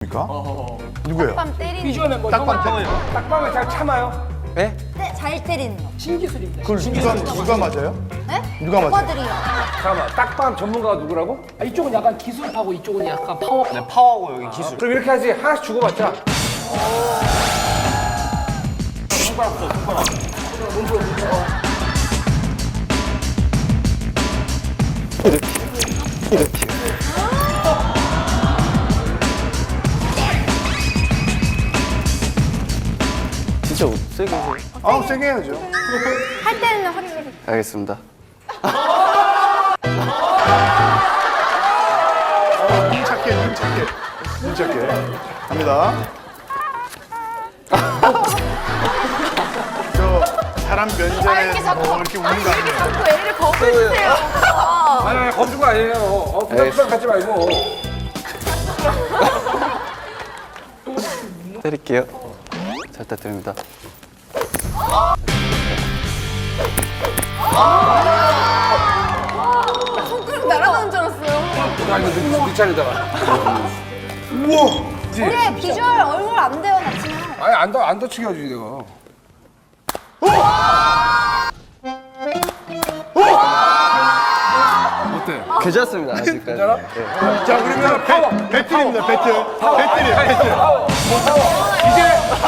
누굽니까? 누구예요? 딱밤 때리는 비주얼 멤버 딱밤 형은 때리는 딱밤을 잘 참아요. 네? 네, 잘 때리는 거. 신기술입니다. 그걸 누가 맞아요? 네? 누가 맞아요? 오빠들이요. 잠깐만, 딱밤 전문가가 누구라고? 아, 이쪽은 약간 기술파고 이쪽은 약간 파워. 네, 파워고 여기 기술. 그럼 이렇게 하지. 하나씩 주고받자. 진짜 세게 해서. 아, 세게 해야죠. 할 때는 확실히. 알겠습니다. 눈 착해. 갑니다. 저 사람 면전에 이렇게 자꾸 이렇게 우는 거 아니에요? 자꾸 애를 겁주세요. 아니, 겁주고 아니에요. 부담 갖지 말고. 때릴게요. 잘 부탁드립니다. 손가락 날아가는 줄 알았어요. 나 이거 네 차례다가. 우리 비주얼 얼굴 안 돼요, 나 지금. 아니, 안 다치게 해야지, 내가. 어때? 괜찮습니다. 아직까지. 괜찮아? 네. 자, 그러면 배틀입니다, 배틀. 배틀이에요, 배틀. 이제